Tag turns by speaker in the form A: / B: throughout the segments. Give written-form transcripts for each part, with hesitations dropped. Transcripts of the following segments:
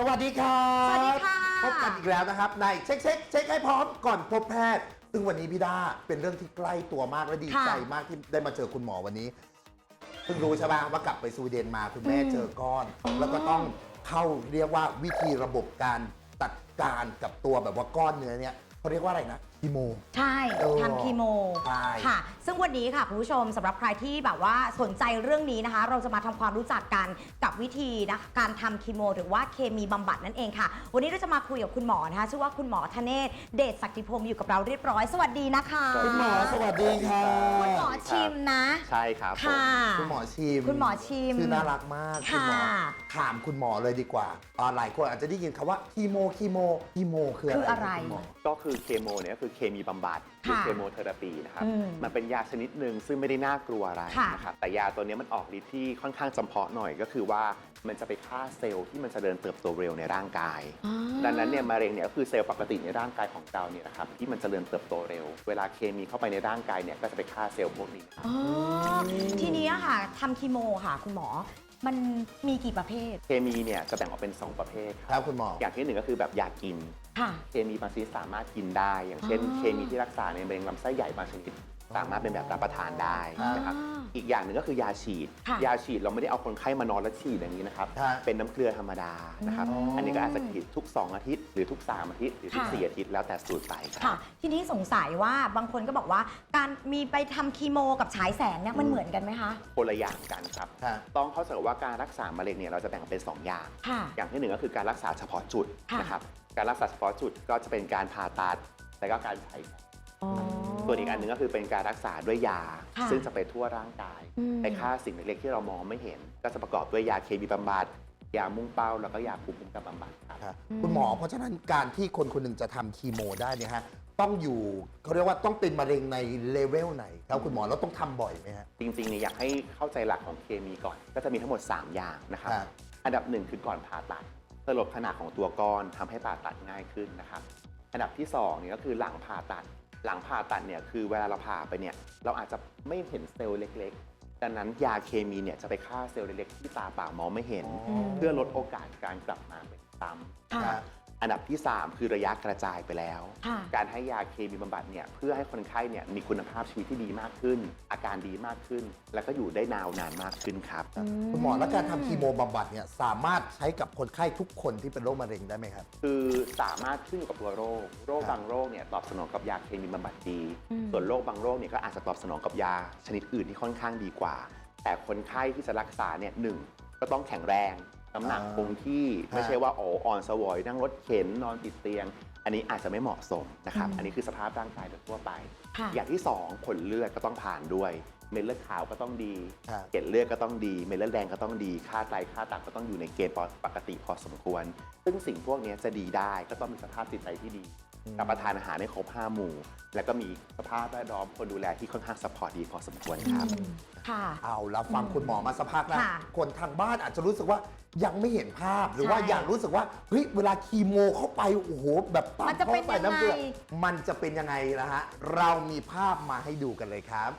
A: วัสดีครับ
B: สวัสดีค่ะ
A: พบกันอีกแล้วนะครับในเช็คให้พร้อมก่อนพบแพทย์ซึ่งวันนี้พี่ดาเป็นเรื่องที่ใกล้ตัวมากและดีใจมากที่ได้มาเจอคุณหมอวันนี้เพิ่งรู้ใช่ไหมว่ากลับไปสวีเดนมาคุณแม่เจอก้อน แล้วก็ต้องเข้าเรียกว่าวิธีระบบการจัดการกับตัวแบบว่าก้อนเนื้อเนี่ยเขาเรียกว่าอะไรนะคีโม
B: ใช่ทำคีโม
A: ใช่
B: ค่ะซึ่งวันนี้ค่ะคุณผู้ชมสำหรับใครที่แบบว่าสนใจเรื่องนี้นะคะ เราจะมาทำความรู้จักกันกับวิธีนะการทำคีโมหรือว่าเคมีบำบัดนั่นเองค่ะวันนี้เราจะมาคุยกับคุณหมอนะคะชื่อว่าคุณหมอธเนศเดชศักดิพรมอยู่กับเราเรียบร้อยสวัสดีนะคะ
A: คุณหมอสวัสดีค่ะ
B: คุณหมอชิมนะ
C: ใช่ครับ
B: ค่ะ
A: คุณหมอชิม
B: คุณหมอชิม
A: ชื่อน่ารักมากคุณหมอ
B: ค่ะ
A: ถามคุณหมอเลยดีกว่าหลายคนอาจจะได้ยินคำว่าคีโมคืออะไร
B: คืออะไร
A: คุณหมอ
C: ก็คือเคมีเนี่ยก็คือเคมีบำบัดหรือ
B: ค่ะ
C: เคโมเทอราปีนะครับ
B: อืม
C: มันเป็นยาชนิดหนึ่งซึ่งไม่ได้น่ากลัวอะไร
B: ค่ะ
C: นะครับแต่ยาตัวนี้มันออกฤทธิ์ที่ค่อนข้างจำเพาะหน่อยก็คือว่ามันจะไปฆ่าเซลล์ที่มันจะเจริญเติบโตเร็วในร่างกาย
B: อ๋อ
C: ดังนั้นเนี่ยมะเร็งเนี่ยก็คือเซลล์ปกติในร่างกายของเราเนี่ยนะครับที่มันจเจริญเติบโตเร็ว เวลาเคมีเข้าไปในร่างกายเนี่ยก็จะไปฆ่าเซลล์พวกนี้ครับ
B: อ๋อทีนี้ค่ะทำคีโมค่ะคุณหมอมันมีกี่ประเภท
C: เคมีเนี่ยจะแบ่งออกเป็น 2 ประเภทค
A: ครับ รับคุณหมอ
C: อย่างที่หนึ่งก็คือแบบยากิน
B: ค่ะ
C: เคมีบางชนิดสามารถกินได้ อย่างเช่น
B: อ๋อ
C: เคมีที่รักษาในมะเร็งลำไส้ใหญ่บางชนิด สามารถเป็นแบบรับประทานได้
A: อ่าน
C: นะครับอีกอย่างหนึ่งก็คือยาฉีด
B: ค่ะ
C: ยาฉีดเราไม่ได้เอาคนไข้มานอนแล้วฉีดอย่างนี้นะครับ
A: ครับ
C: เป็นน้ำเกลือธรรมดานะครับ
A: อ๋ออั
C: อันนี้ก็อาจจะฉีดทุก 2 อาทิตย์หรือทุก 3 อาทิตย์หรือทุก
B: ค่ะ
C: 4 อาทิตย์แล้วแต่สูตรไปค
B: ค่ะ
C: รับ
B: ทีนี้สงสัยว่าบางคนก็บอกว่าการมีไปทำคีโมกับฉายแสงเนี่ยมันเหมือนกันไหมคะ
C: คนละอย่างกันครับ
A: ครับ
C: ต้องเข้าใจว่าการรักษามะเร็งเนี่ยเราจะแบ่งเป็น 2 อย่าง
B: ค่ะ
C: อย่างที่หนึ่งก็คือการรักษาเฉพาะจุด
B: ค่ะ
C: นะครับ การรักษาเฉพาะจุดก็จะเป็นการผ่าตัดและก็การใช้แสง
B: อ๋อ
C: ส่วนอีกอันหนึ่งก็คือเป็นการรักษาด้วยยา
B: ค่ะ
C: ซึ่งจะไปทั่วร่างกาย
B: อืม
C: ไปฆ่าสิ่งเล็กๆที่เรามองไม่เห็น ก็จะประกอบด้วยยาเคมีบำบัดยามุ่งเป้าแล้วก็ยาภูมิคุ้มกันบำบัดครับ
A: ครับคุณหมอเพราะฉะนั้นการที่คนคนหนึ่งจะทำคีโมได้เนี่ยฮะต้องอยู่เขาเรียกว่าต้องเป็นมะเร็งในเลเวลไหนครับคุณหมอแล้วต้องทำบ่อยไหมฮะ
C: จริงๆเนี่ยอยากให้เข้าใจหลักของเคมีก่อน ก็จะมีทั้งหมด 3 อย่างนะครับ
A: ครับ
C: อันดับหนึ่งคือก่อนผ่าตัดเพื่อลดขนาดของตัวก้อนทำให้ผ่าตัดง่ายขึ้นนะครับ อันดับที่2เนี่ยก็คือหลังผ่าตัด หลังผ่าตัดเนี่ยคือเวลาเราผ่าไปเนี่ยเราอาจจะไม่เห็นเซลล์เล็กๆ ดังนั้นยาเคมีเนี่ยจะไปฆ่าเซลล์เล็กๆที่ตาเปล่ามองไม่เห็น
A: อ๋อ
C: เพื่อลดโอกาสการกลับมาเป็นซ้ำ
B: ค่ะ
A: ครับ
C: อันดับที่ 3 คือระยะกระจายไปแล้ว
B: ค่ะ
C: การให้ยาเคมีบำบัดเนี่ยเพื่อให้คนไข้เนี่ยมีคุณภาพชีวิตที่ดีมากขึ้น อาการดีมากขึ้น แล้วก็อยู่ได้นานมากขึ้นครับ
A: คุณหมอแล้วการทำคีโมบำบัดเนี่ยสามารถใช้กับคนไข้ทุกคนที่เป็นโรคมะเร็งได้ไหมครับ
C: คือสามารถขึ้นอยู่กับตัวโรค โรค
A: ครับ
C: บางโรคเนี่ยตอบสนองกับยาเคมีบำบัดดี
B: อืม
C: ส่วนโรคบางโรคเนี่ยก็อาจจะตอบสนองกับยาชนิดอื่นที่ค่อนข้างดีกว่า แต่คนไข้ที่จะรักษาเนี่ยหนึ่งก็ต้องแข็งแรงน้ำหนักคงที่ไม่ใช่ว่าอ่อนสวอยนั่งรถเข็นนอนติดเตียง อันนี้อาจจะไม่เหมาะสมนะครับ อันนี้คือสภาพร่างกายโดยทั่วไป
B: ค่ะ
C: อย่างที่ 2 ผลเลือดก็ต้องผ่านด้วย เม็ดเลือดขาวก็ต้องดี
A: ครับ
C: เกล็ดเลือดก็ต้องดี เม็ดเลือดแดงก็ต้องดี ค่าไตค่าตับก็ต้องอยู่ในเกณฑ์ปกติพอสมควร ซึ่งสิ่งพวกนี้จะดีได้ก็ต้องมีสภาพจิตใจที่ดีรับประทานอาหารให้ครบ5 หมู่ แล้วก็มีสภาพแวดล้อมคนดูแลที่ค่อนข้างซัพพอร์ตดีพอสมควรครับ
B: ค่ะ
A: เอาแล้วฟังคุณหมอมาสักพักแล้ว
B: ค่ะ
A: คนทางบ้านอาจจะรู้สึกว่ายังไม่เห็นภาพหรือว่า
B: ใช่
A: อยากรู้สึกว่าเฮ้ยเวลาคีโมเข้าไปโอ้โหแบบปั๊
B: มันจะเป็น
A: ข้าไปน้ำเกลือ
B: ยังไง
A: มันจะเป็นยังไงนะฮะเรามีภาพมาให้ดูกันเลยครับ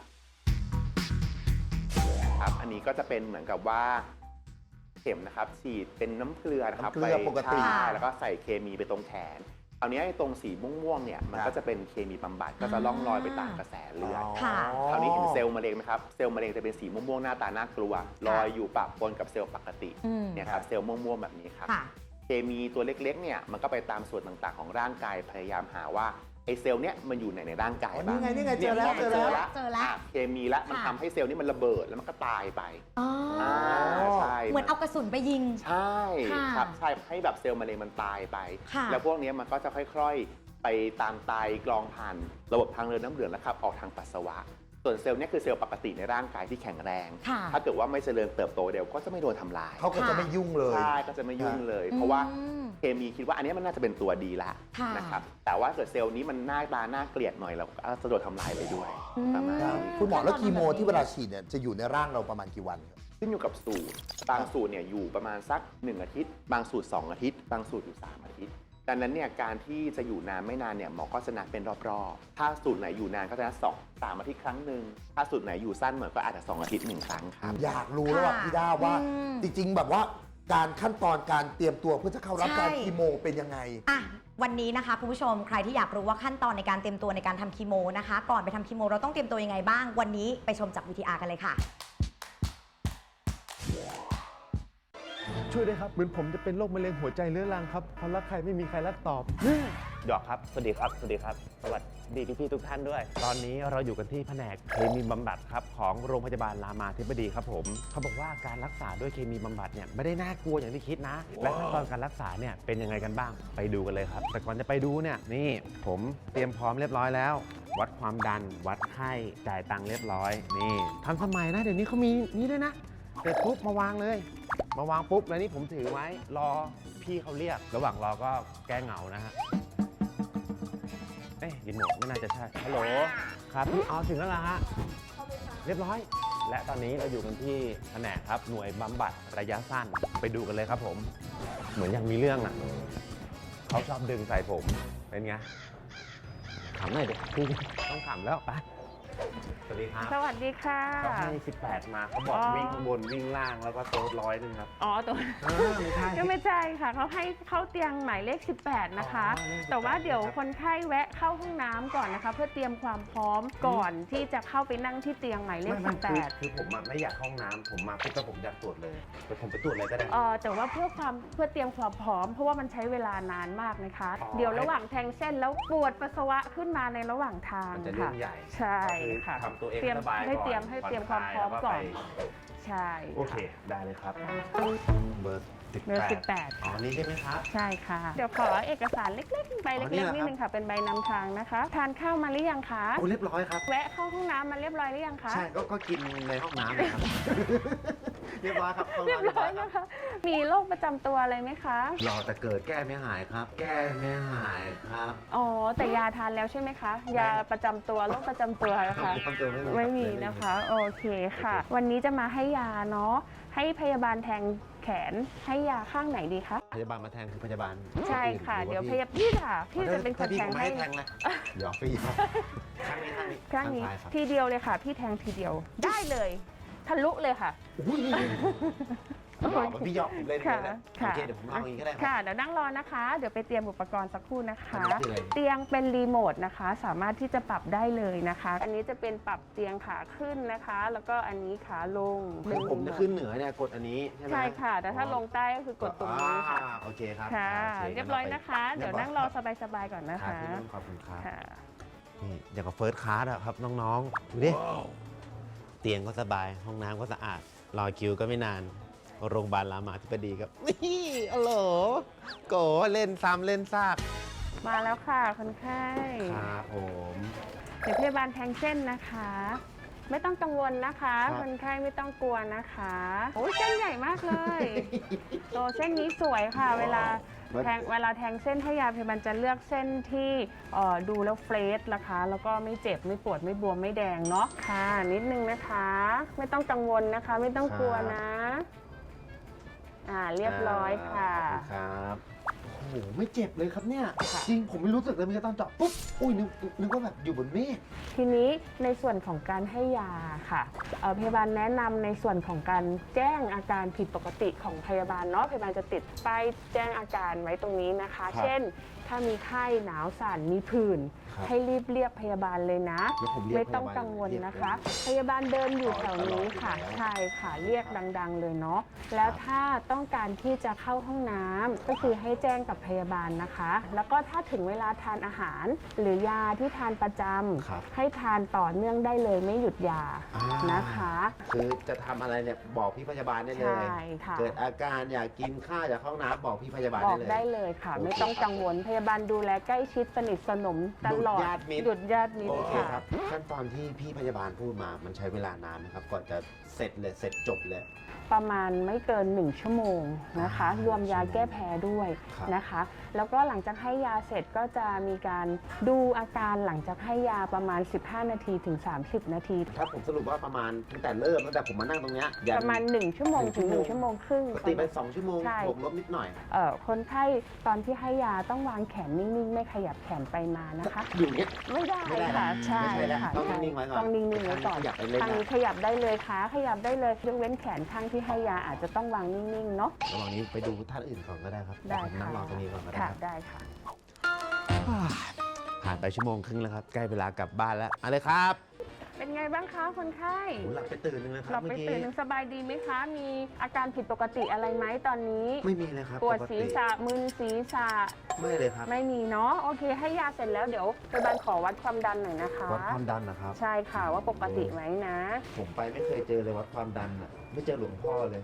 C: ครับ อันนี้ก็จะเป็นเหมือนกับว่าเข็มนะครับฉีดเป็นน้ำเกลือนะครับ
A: น้ำเกลือปกติ
C: ใช่แล้วก็ใส่เคมีไปตรงแขนคราวนี้ไอ้ตรงสีม่วงๆเนี่ยมัน
A: ครับ
C: ก็จะเป็นเคมีบำบัดก็จะล่องลอยไปตามกระแสเลือด
B: ค่ะ
C: คราวนี้เห็นเซลล์มะเร็งไหมครับ เซลล์มะเร็งจะเป็นสีม่วงๆหน้าตาน่ากลัว ลอยอยู่ปะปนกับเซลล์ปกติ
B: อืม
C: เนี่ยครับเซลล์ม่วงๆแบบนี้ครับ
B: ค่ะ
C: เคมีตัวเล็กๆเนี่ยมันก็ไปตามส่วนต่างๆของร่างกายพยายามหาว่าไอ้เซลล์เนี่ยมันอยู่ไหนในร่างกาย
A: อ๋อ
C: บ้าง
A: นี่ไงเจอแล้ว
C: พมัน
A: เจอแล้ว
B: เจอแล้ว
C: เคมีละมัน
B: ค่ะ
C: ทำให้เซลล์นี่มันระเบิดแล้วมันก็ตายไป
B: อ๋ออ
C: ใช่
B: เหมือนเอากระสุนไปยิง
C: ใช่
B: ค่ะ
C: ครับใช่ให้แบบเซลล์มะเร็งมันตายไป
B: ค่ะ
C: แล้วพวกเนี้ยมันก็จะค่อยๆ ไปตามไตกรองผ่านระบบทางเดินน้ำเหลืองแล้วขับออกทางปัสสาวะ ส่วนเซลล์เนี่ยคือเซลล์ปกติในร่างกายที่แข็งแรง
B: ค่ะ
C: ถ้าเกิดว่าไม่เจริญเติบโตเดี๋ยวก็จะไม่โดนทำลาย
A: เขาก็จะไม่ยุ่งเลย
C: ใช่ก็จะไม่ยุ่งเลย เพราะว่า
B: อืม
C: เคมีคิดว่าอันเนี้ยมันน่าจะเป็นตัวดีละ
B: ค่ะ
C: นะครับแต่ว่าเกิดเซลล์นี้มันหน้าตาน่าเกลียดหน่อยเราก็จะโดนทำลายไปด้วย
B: อืม
C: ประมาณ
A: ครับ
C: นี้
A: คุณหมอแล้วคีโมที่เวลาฉีดเนี่ยจะอยู่ในร่างเราประมาณกี่วันครับ
C: ขึ้นอยู่กับสูตรบางสูตรเนี่ยอยู่ประมาณสัก1 อาทิตย์ บางสูตร 2 อาทิตย์ บางสูตรอยู่ 3 อาทิตย์ดังนั้นเนี่ยการที่จะอยู่นานไม่นานเนี่ยหมอก็จะนัดเป็นรอบๆถ้าสูตรไหนอยู่นานก็จะนัด3 อาทิตย์ครั้งหนึ่งถ้าสูตรไหนอยู่สั้นเหมือนก็อาจจะ2 อาทิตย์1 ครั้งครับ
A: อยากรู้แล้วว่า
B: ค่ะ
A: พี่ด้าว่า
B: อืม
A: จริงๆแบบว่าการขั้นตอนการเตรียมตัวเพื่อจะเข้ารับ
B: ใช่
A: การคีโมเป็นยังไง
B: อ่ะวันนี้นะคะคุณผู้ชมใครที่อยากรู้ว่าขั้นตอนในการเตรียมตัวในการทำคีโมนะคะ ก่อนไปทำคีโมเราต้องเตรียมตัวยังไงบ้างวันนี้ไปชมจาก VTR กันเลยค่ะ
D: ช่วยด้วยครับเหมือนผมจะเป็นโรคมะเร็งหัวใจเรื้อรังครับพอรักใครไม่มีใครรักตอบ
E: หยอกครับ สวัสดีครับ สวัสดีครับ สวัสดีพี่ๆทุกท่านด้วย ตอนนี้เราอยู่กันที่แผนกเคมีบำบัดครับของโรงพยาบาลรามาธิบดีครับผม เขาบอกว่าการรักษาด้วยเคมีบำบัดเนี่ยไม่ได้น่ากลัวอย่างที่คิดนะ และขั้นตอนการรักษาเนี่ยเป็นยังไงกันบ้าง ไปดูกันเลยครับ แต่ก่อนจะไปดูเนี่ยนี่ผมเตรียมพร้อมเรียบร้อยแล้ว วัดความดัน วัดไข้ จ่ายตังค์เรียบร้อย นี่ทันสมัยนะเดี๋ยวนี้เขามีนี่ด้วยนะเสร็จปุ๊บมาวางเลย มาวางปุ๊บแล้วนี่ผมถือไว้รอพี่เขาเรียก ระหว่างรอก็แก้เหงานะฮะ เอ๊ะรีโมทไม่น่าจะใช่ ฮัลโหล ครับพี่อ๋อถึงแล้วล่ะฮะ เรียบร้อย และตอนนี้เราอยู่กันที่แผนกครับ หน่วยบำบัดระยะสั้น ไปดูกันเลยครับผม เหมือนยังมีเรื่องอ่ะ เขาชอบดึงใส่ผม เป็นไง ขำหน่อยดิพี่ต้องขำแล้วไป สวัสดีครับ
F: สวัสดีค่ะ
E: เขาให้ 18 มาเขาบอก
F: อ๋อ
E: วิ่งข้างบนวิ่งล่างแล้วก็โต๊ะ100ครับ
F: อ๋อตัว
E: ไม่ใช่
F: ก็ไม่ใช่ค่ะเขาให้เข้าเตียงหมายเลข 18 นะคะ
E: อ๋อเลข18
F: แต่ว่าเดี๋ยวคนไข้แวะเข้าห้องน้ำก่อนนะคะ เพื่อเตรียมความพร้อมก่อนที่จะเข้าไปนั่งที่เตียงหมายเลข
E: คือผมอะไม่อยากเข้าห้องน้ำผมมาปุ๊บแล้วผมอยากตรวจเลยแต่ผมไปตรวจเลยก็ได้
F: 18แต่ว่าเพื่อเตรียมความพร้อม เพราะว่ามันใช้เวลานานมากนะคะ
E: อ๋อ
F: เดี๋ยวระหว่างแทงเส้นแล้วปวดปัสสาวะขึ้นมาในระหว่างทาง
E: มันจะเรื่
F: ค่ะ
E: องใหญ่
F: ใช่
E: ก็อ
F: ค่ะ
E: ทำตัวเอง
F: เตรียม
E: สบาย
F: ให้
E: ก่อน
F: เตรียมให้เตรียมความพร้อม
E: ผ่น
F: ก่อน
E: คลายแล้วไป
F: ใช่
E: โอเค ได้เลยครับ เบอร์
F: เบอร์
E: 18
F: 18
E: อ๋อ นี่ใช่ไหมครับ
F: ใช่ค่ะ เดี๋ยวขอเอกสารเล็กๆ ใบ
E: อ๋อนี่
F: เล็ก
E: เหรอ
F: ๆนิดนึงค่ะ เป็นใบนำทางนะคะ ทานข้าวมาหรือยังคะ
E: โอ้เรียบร้อยครับ
F: แวะเข้าห้องน้ำมาเรียบร้อยหรือยังคะ
E: ใช่ ก็กินในห้องน้ำนะครับ เรียบร้อยครับห้อง
F: เรียบ
E: น้ำเรียบ
F: ร้
E: ร้
F: อ
E: อย ยครับ
F: นะคะ มีโรคประจำตัวอะไรไหมคะ
E: รอแต่เกิดแก้ไม่หายครับ แก้ไม่หายครับ
F: อ๋อ แต่ยาทานแล้วใช่ไหมคะ ยาประจำตัวโรคประจำตัวนะคะ
E: ต้องเจอ
F: ไม่มีนะคะ โอเคค่ะ วันนี้จะมาให้ยาเนาะ ให้พยาบาลแทงแขน ให้ยาข้างไหนดีคะ
E: พยาบาลมาแทงคือพยาบาล
F: ใช่ค่ะ
E: หรือ
F: เดี๋ยว
E: า
F: พยาพี่ค่ะ พี่จะเป็นคน
E: ถ้าพี่
F: แทง
E: ผม
F: ให้
E: ให้แทงเลยเดี๋ยวพี่ข้างนี้
F: ครั้งนี้
E: ซ้ายครับ
F: ทีเดียวเลยค่ะ พี่แทงทีเดียว ได้เลย ทะลุเลยค่ะ
E: อุ้ยหลอกพี่หยอกผมเล่นเลยนะโอ
F: ค่ะ
E: เคเดี๋ยวผมเอาอย่างนี้ก็ได้ค
F: ค่ะ
E: รับ
F: เดี๋ยวนั่งรอนะคะ เดี๋ยวไปเตรียมอุปกรณ์สักครู่นะคะ
E: อันนี้คืออะไร
F: เตียงเป็นรีโมทนะคะ สามารถที่จะปรับได้เลยนะคะ อันนี้จะเป็นปรับเตียงขาขึ้นนะคะ แล้วก็อันนี้ขาลง
E: คือผมจะขึ้นเหนือเนี่ยกดอันนี้ใช่ไหม
F: ใช่ค่ะ แต่ถ้าลงใต้ก็คือกดตรงนี้ค่ะ
E: โอเคครับ
F: ค่ะ
E: โค
F: เรียบร้อยนะคะ เดี๋ยวนั่งรอสบายๆก่อนนะ
E: ครั
F: คะ
E: บพี่นุ่นขอบคุณครับ
F: ค่ะ
E: นี่อย่างกับเฟิร์สคลาสอะครับน้องๆดูดิเตียงก็สบายห้องน้ำก็สะอาดรอคิวก็ไม่นานโรงพยาบาลรามาธิบดีครับนี่อ๋อเหรอโกเล่นซ้ำเล่นซาก
F: มาแล้วค่ะคนไข้
E: ครับผม
F: เดี๋ยวพยาบาลแทงเส้นนะคะ ไม่ต้องกังวลนะคะ
E: ครับ
F: คนไข้ไม่ต้องกลัวนะคะโอ้ยเส้นใหญ่มากเลยโตเส้นนี้สวยค่ะ เวลาแทงเส้นให้ยาพยาบาลจะเลือกเส้นที่ดูแล้วเฟรชนะคะ แล้วก็ไม่เจ็บไม่ปวดไม่บวมไม่แดงเนาะค่ะ นิดนึงนะคะ ไม่ต้องกังวลนะคะ ไม่ต้องกลัวนะ เรียบร้อยค่ะ
E: ขอบคุณครับโอ้โหไม่เจ็บเลยครับเนี่ยจริงผมไม่รู้สึกเลยมันจะต้องเจาะปุ๊บอุ้ยนึกว่าแบบอยู่บนเมฆ
F: ทีนี้ในส่วนของการให้ยาค่ะพยาบาลแนะนำในส่วนของการแจ้งอาการผิดปกติของพยาบาลเนาะพยาบาลจะติดป้ายแจ้งอาการไว้ตรงนี้นะคะ
E: ครับ
F: เช่น ถ้ามีไข้หนาวสั่นมีผื่น
E: ครับ
F: ให้รีบเรียกพยาบาลเลยนะ
E: แล้วผมเรียก
F: ไม่ต้อง
E: พยาบาล
F: กังวลนะคะ
E: เรียก
F: พยาบาลเดินอยู่แถวนี้ค่ะ
E: ตลอดอยู่แล้ว
F: ใช่ค่ะเรียกดังๆเลยเนาะแล้วถ้าต้องการที่จะเข้าห้องน้ำก็คือให้แจ้งกับพยาบาลนะคะ แล้วก็ถ้าถึงเวลาทานอาหาร หรือยาที่ทานประจ
E: ครับ
F: ำให้ทานต่อเนื่องได้เลยไม่หยุดยา
E: อ่าน
F: นะคะ
E: คือจะทำอะไรเนี่ยบอกพี่พยาบาลได้เลย
F: ใช่ค่ะ
E: เกิดอาการอยากกินข้าวอยากเข้าห้องน้ำบอกพี่พยาบาล
F: บ
E: ได้
F: อก
E: เลย
F: ได้เลยค่ะ
E: โอเค
F: ไม่ต้องกังวลพยาบาลดูแลใกล้ชิดสนิทสนมตลอด
E: หยุดญาติมิตร
F: หยุดญาติมิต
E: โอ
F: ร
E: เค
F: ค่ะ
E: ครับขั้นตอนที่พี่พยาบาลพูดมามันใช้เวลานานนะครับก่อนจะเสร็จเลยเสร็จจบเลย
F: ประมาณไม่เกิน 1 ชั่วโมงนะคะ รวมยาแก้แพ้ด้วย
E: ครับ
F: นะคะ แล้วก็หลังจากให้ยาเสร็จก็จะมีการดูอาการหลังจากให้ยาประมาณ 15 นาทีถึง 30 นาที
E: ถ้าผมสรุปว่าประมาณตั้งแต่ผมมานั่งตรงเนี้ยยัน
F: ประมาณ 1 ชั่วโมงถึง 1 ชั่วโมงครึ่ง
E: ปกติไป2 ชั่วโมง
F: ใช่
E: บวกลบนิดหน่อย
F: คนไข้ตอนที่ให้ยาต้องวางแขนนิ่งๆ ไม่ขยับแขนไปมานะคะ
E: อยู่เนี้ย
F: ไม่ได้
E: ไม่ได้นะ
F: ค่ะใช่
E: ไม่ใช่แล้ว
F: ค่ะ
E: ต้อง
F: ใช่
E: นิ่งๆไว้ก่อน
F: ต้องนิ่งๆไว้ก่อน
E: ขยับไปเลยนะ
F: ทางนี้ขยับได้เลยขาขยับได้เลยยกเว้นแขนข้างที่ให้ยาอาจจะต้องวางนิ่งๆเนาะ
E: ระหว่างนี้ไปดูท่านอื่นก่อนก็ได้ครับ
F: ได้
E: ผมนั่
F: ค่ะ
E: งรอตรงนี้ก่อนก็ได้
F: ค่ะ
E: ครับ
F: ได้ค่ะ
E: ผ่านไปชั่วโมงครึ่งแล้วครับ ใกล้เวลากลับบ้านแล้วเอาเลยครับ
F: เป็นไงบ้างคะคนไข้
E: โหหลับไปตื่นนึงนะค
F: ห
E: รั
F: ลั
E: บบ เมื่
F: ไป
E: อกี้
F: ตื่นหนึ่งสบายดีไหมคะ มีอาการผิดปกติอะไรไหมตอนนี้
E: ไม่มีเลยครับ
F: ปวด
E: ก
F: ศี
E: ติ
F: รษะมึนศีรษะ
E: ไม่เลยครับ
F: ไม่มีเนาะโอเค ให้ยาเสร็จแล้วเดี๋ยวพยาบาลขอวัดความดันหน่อยนะคะ
E: วัดความดันนะครับ
F: ใช่ค่ะว่าปกติไหมนะ
E: ผมไปไม่เคยเจอเลยวัดความดันอ่ะ ไม่เจอหลวงพ่อเลย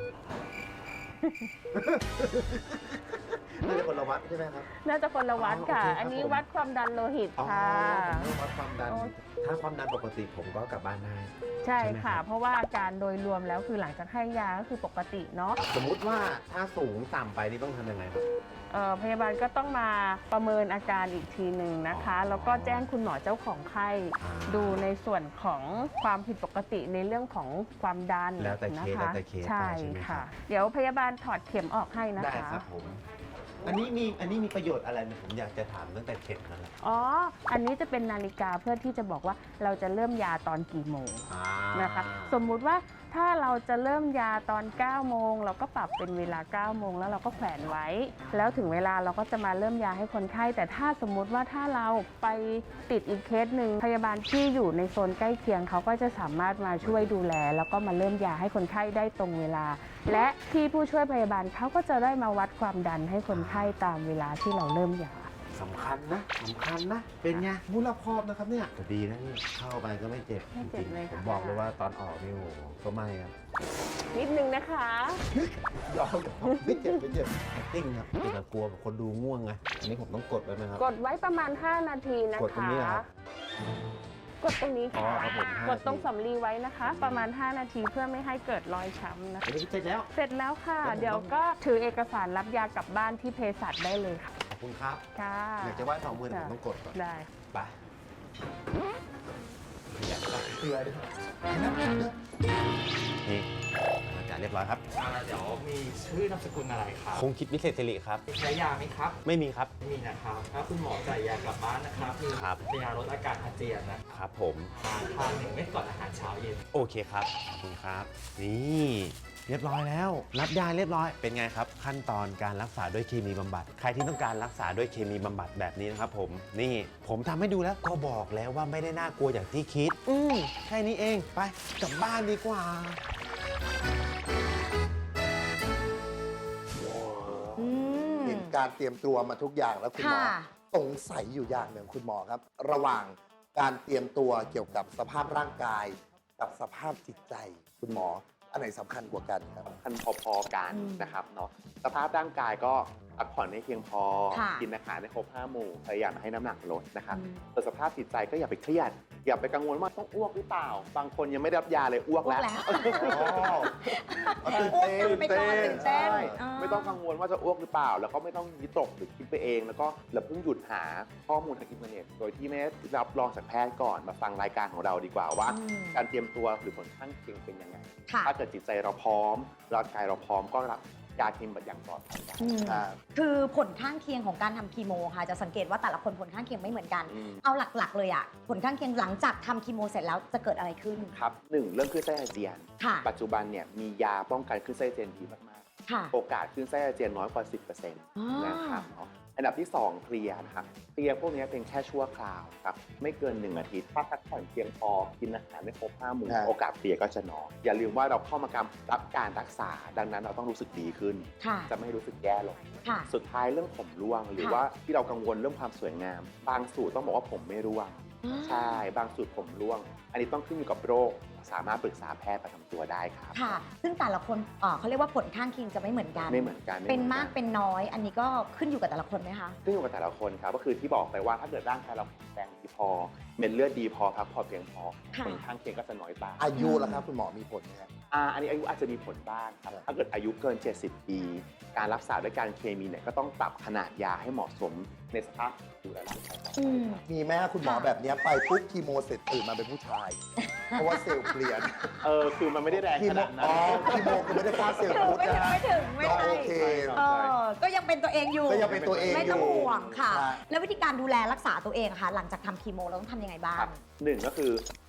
E: ไม่ได้คนละวัดใช่ไหมครับ
F: น่าจะคนละวัดค่ะ
E: อ๋อโอเคครับ
F: อันนี้
E: ผม
F: วัดความดันโลหิต
E: อ๋อ
F: ค่ะ
E: ผมต้องวัดความดัน
F: โอ้
E: ถ้าความดันปกติผมก็กลับบ้านได้
F: ใช่
E: ใช่ไหมครั
F: ค่ะ
E: บ
F: เพราะว่าอาการโดยรวมแล้วคือหลังจากให้ยาก็คือปกติเนาะ
E: สมมุติว่าถ้าสูงต่ำไปนี่ต้องทำยังไงครับ
F: พยาบาลก็ต้องมาประเมินอาการอีกทีหนึ่งนะคะ แล้วก็แจ้งคุณหมอเจ้าของไข้
E: อ่า
F: ดูในส่วนของความผิดปกติในเรื่องของความดัน
E: แล้วแต่เคส
F: นะคะ
E: แล้วแต่เคส
F: ใช่
E: ไปใช่ไหมครับ
F: ค่ะ เดี๋ยวพยาบาลถอดเข็มออกให้นะ
E: ได้
F: คะ
E: ครับผม อันนี้มีประโยชน์อะไรไหมผมอยากจะถามตั้งแต่เข็มนั่นแหละ
F: อ๋อ อันนี้จะเป็นนาฬิกาเพื่อที่จะบอกว่าเราจะเริ่มยาตอนกี่โมง นะคะ สมมุติว่าถ้าเราจะเริ่มยาตอน 9 โมง เราก็ปรับเป็นเวลา 9 โมงแล้วเราก็แขวนไว้ แล้วถึงเวลาเราก็จะมาเริ่มยาให้คนไข้ แต่ถ้าสมมุติว่าถ้าเราไปติดอีกเคสหนึ่งพยาบาลที่อยู่ในโซนใกล้เคียงเขาก็จะสามารถมาช่วยดูแล แล้วก็มาเริ่มยาให้คนไข้ได้ตรงเวลา และที่ผู้ช่วยพยาบาลเขาก็จะได้มาวัดความดันให้คนไข้ตามเวลาที่เราเริ่มยา
E: สำคัญนะ เป็นไงมูลครอบนะครับเนี่ยก็ดีนะนี่เข้าไปก็ไม่เจ็บ
F: ไม่เจ็บ
E: จริง
F: เลย
E: ๆผม
F: ค่ะ
E: บอกเลยว่าตอนออกนี่โอ้โหก็ไม่ครับ
F: นิดนึงนะคะ
E: ยอมไม่เจ็บติ้งครับแต่กลัวแบบคนดูง่วงไงอันนี้ผมต้องกดไว้ไหมครับ
F: กดไว้ประมาณ 5 นาทีนะคะ
E: กดตรงนี้เหรอครับ
F: กดตรงนี้
E: อ๋อ
F: ค่ะ
E: ครับผม5
F: กดตรง
E: นาที
F: สำลีไว้นะคะ ประมาณ 5 นาทีเพื่อไม่ให้เกิดรอยช้ำนะคะ
E: อันนี้เสร็จแล้ว
F: เสร็จแล้วค่ะ
E: แล้วผม
F: เดี๋ยวก็ถือเอกสารรับยากลับบ้านที่เภสัชได้เลยค่ะ
E: ขอบคุณครับ
F: ค่ะ
E: อยากจะไหว้สองมือแต่ผมต้องกดก่อน
F: ได้
E: ไปอยากได้เกลือด้วยนี่อาจารย์เรียบร้อยครับ
G: เดี๋ยวมีชื่อนามสกุลอะไรครับ
E: คงคิดวิเศษสิริครับ
G: ใช้ยาไหมครับ
E: ไม่มีครับ
G: ไม่มีนะครับ ถ้าคุณหมอจ่ายยากลับบ้านนะครับ มี
E: ครับ
G: ยาลดอาการอาเจียนนะครับ
E: ผม
G: ทาน1 เม็ดก่อนอาหารเช้าเย็น
E: โอเคครับ ขอบคุณครับ นี่เรียบร้อยแล้ว รับยาเรียบร้อย เป็นไงครับ ขั้นตอนการรักษาด้วยเคมีบำบัด ใครที่ต้องการรักษาด้วยเคมีบำบัดแบบนี้นะครับผม นี่ผมทำให้ดูแล้วก็บอกแล้วว่าไม่ได้น่ากลัวอย่างที่คิด แค่นี้เอง ไปกลับบ้านดีกว่า
B: อืม
A: เห็นการเตรียมตัวมาทุกอย่างแล้วคุณหมอ
B: ค่ะ
A: สงสัยอยู่อย่างหนึ่งคุณหมอครับ ระหว่างการเตรียมตัวเกี่ยวกับสภาพร่างกาย กับสภาพจิตใจ คุณหมออันไหนสำคัญกว่ากันครับ
C: คันพอๆกัน
B: อืม
C: นะครับเนาะสภาพร่างกายก็พักผ่อนให้เพียงพอ
B: ค่ะ
C: กินอาหารให้ครบ5 หมู่พยายามให้น้ำหนักลดนะครับ
B: อืม
C: ส่วนสภาพจิตใจก็อย่าไปเครียด อย่าไปกังวลว่าต้องอ้วกหรือเปล่า บางคนยังไม่ได้รับยาเลยอ้วก
B: อ้ว
C: แล้
B: ก
C: ว
B: แล้ว
A: ตื่นเต้น
B: อ้วกไปก่อนตื่นเต้น
C: ใช่
B: อ่า
C: ไม่ต้องกังวลว่าจะอ้วกหรือเปล่า แล้วก็ไม่ต้องวิตกหรือคิดไปเอง แล้วก็อย่าเพิ่งหยุดหาข้อมูลทางอินเทอร์เน็ต โดยที่ไม่ได้รับรองจากแพทย์ก่อนมาฟังรายการของเราดีกว่าว่า
B: อืม
C: การเตรียมตัวหรือผลข้างเคียงเป็นยังไง
B: ค่ะ
C: ถ้าเกิดจิตใจเราพร้อมร่างกายเราพร้อมก็รับยาเคมีอย่างปลอดภัยได้
B: อืม
A: ครับ
B: คือผลข้างเคียงของการทำคีโมค่ะ จะสังเกตว่าแต่ละคนผลข้างเคียงไม่เหมือนกัน
C: อืม
B: เอาหลักๆเลยอะผลข้างเคียงหลังจากทำคีโมเสร็จแล้วจะเกิดอะไรขึ้น
C: ครับหนึ่งเรื่องคลื่นไส้อาเจียน
B: ค่ะ
C: ปัจจุบันเนี่ยมียาป้องกันคลื่นไส้อาเจียนดีมาก
B: ค่ะ
C: ๆ โอกาสคลื่นไส้อาเจียนน้อยกว่า 10% นะครับเนาะอันดับที่ 2 เคลียร์นะครับเคลียร์พวกนี้เป็นแค่ชั่วคราวครับไม่เกิน 1 อาทิตย์ถ้าพักผ่อนเพียงพอกินอาหารไม่ครบ5 หมู่
A: ครับ
C: โอกาสเคลียร์ก็จะน้อยอย่าลืมว่าเราเข้ามารับการรักษา ดังนั้นเราต้องรู้สึกดีขึ้น
B: ค่ะ
C: จะไม่รู้สึกแย่ลง
B: ค่ะ
C: สุดท้ายเรื่องผมร่วง หรือ
B: ค่ะ
C: ว่าที่เรากังวลเรื่องความสวยงาม บางสูตรต้องบอกว่าผมไม่ร่วง ใช่ บางสูตรผมร่วง อันนี้ต้องขึ้นอยู่กับโรค สามารถปรึกษาแพทย์ประจำตัวได้ครับ
B: ค่ะ ซึ่งแต่ละคนเขาเรียกว่าผลข้างเคียงจะไม่เหมือนกัน
C: ไม่เหมือนกัน
B: เป็น
C: ไหอ
B: มากเป็นน้อย อันนี้ก็ขึ้นอยู่กับแต่ละคนไหมคะ
C: ขึ้นอยู่กับแต่ละคนครับก็คือที่บอกไปว่าถ้าเกิดร่างกายเราแข็งแรงดีพอเม็ดเลือดดีพอพักผ่อนเพียงพอ
B: ค่ะ
C: ผลข้างเคียงก็จะน้อยตาม
A: อายุแล้วครับคุณหมอมีผลไหมครับ
C: อันนี้อายุอาจจะมีผลบ้างครับ
A: ครับ
C: ถ้าเกิดอายุเกิน 70 ปี การรักษาด้วยการเคมีเนี่ยก็ต้องปรับขนาดยาให้เหมาะสมในสภาพดูแลร่างกายต่อไป
B: อืม
A: มีแม่คุณหมอแบบเนี้ยไปปุ๊บคีโมเสร็จตื่นมาเป็นผู้ชาย เพราะว่าเซลล์เปลี่ยน
C: คือมันไม่ได้แรง
A: คี
C: ข
A: โม
C: นาดนั้น
A: อ๋อคีโมคือไม่ได้ฆ่าเซลล์
B: ถึง
A: พุทธ
B: ไม่ถึ
A: นะ
B: งไม่ถึงไม่
A: ก็
B: ใช่
A: โอเค
B: ก็ยังเป็นตัวเองอยู่
A: ก็ยังเป็นตัวเอง
B: ไม่ต้อง
A: อยู่
B: ห่วงค่ะ
A: ครับ
B: แล้ววิธีการดูแลรักษาตัวเองค่ะ หลังจากทำคีโมเราต้องทำยังไงบ้าง
C: ครับหนึ่งก็คือ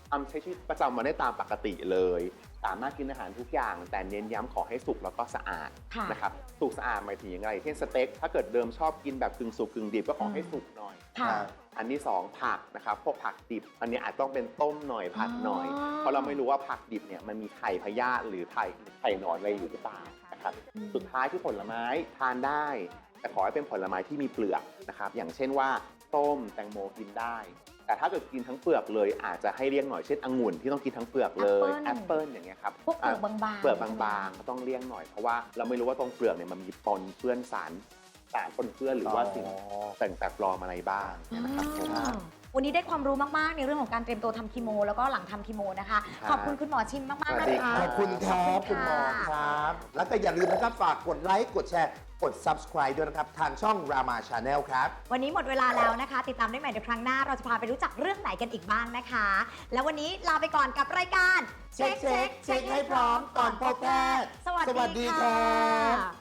C: ทำใช้ชีวิตประจำวันได้ตามปกติเลย สามารถกินอาหารทุกอย่าง แต่เน้นย้ำขอให้สุกแล้วก็สะอาด
B: ค่ะ
C: นะครับสุกสะอาดหมายถึงยังไงเช่นสเต็กถ้าเกิดเดิมชอบกินแบบกึ่งสุกกึ่งดิบก็ขอให้สุกหน่อย
B: ค่ะ
C: อันที่ 2 ผักนะครับพวกผักดิบ อันนี้อาจต้องเป็นต้มหน่อยผัดหน่อย
B: อ๋อ
C: เพราะเราไม่รู้ว่าผักดิบเนี่ยมันมีไข่พยาธิหรือไข่หนอนอะไรอยู่หรือเปล่านะครับสุดท้ายที่ผลไม้ทานได้ แต่ขอให้เป็นผลไม้ที่มีเปลือกนะครับอย่างเช่นว่าส้มแตงโมกินได้ แต่ถ้าเกิดกินทั้งเปลือกเลยอาจจะให้เลี่ยงหน่อยเช่นองุ่นที่ต้องกินทั้งเปลือกเลยแอปเปิลอย่างเงี้ยครับ
B: พวกเปลือกบางๆ
C: เปลือกบางๆก็ต้องเลี่ยงหน่อยเพราะว่าเราไม่รู้ว่าตรงเปลือกเนี่ยมันมีปนเปื้อนสารปนเปื้อนหรือว่าสิ่งแต่งแปลกปลอมอะไรบ้างเนี่ยนะครับผม
B: วันนี้ได้ความรู้มากๆในเรื่องของการเตรียมตัวทำคีโมแล้วก็หลังทำคีโมนะคะ
C: ครับ
B: ขอบคุณคุณหมอชิมมากๆ
C: สวั
B: นะ
C: สดี
B: คะ
C: รั
A: ขอบคุณครับคุณหมอ
B: ค่ะ
A: ครับ แล้วก็อย่าลืมนะครับฝากกดไลค์ กดแชร์ กด subscribe ด้วยนะครับ ทางช่อง Rama Channel ครับ
B: วันนี้หมดเวลาแล้วนะคะ ติดตามได้ใหม่ในครั้งหน้า เราจะพาไปรู้จักเรื่องไหนกันอีกบ้างนะคะ แล้ววันนี้ลาไปก่อนกับรายการ
A: เช็คให้พร้อมก่อนพบแพทย์
B: สวัส
A: สวัสดี
B: ดี
A: ครั
B: ค่ะ
A: บ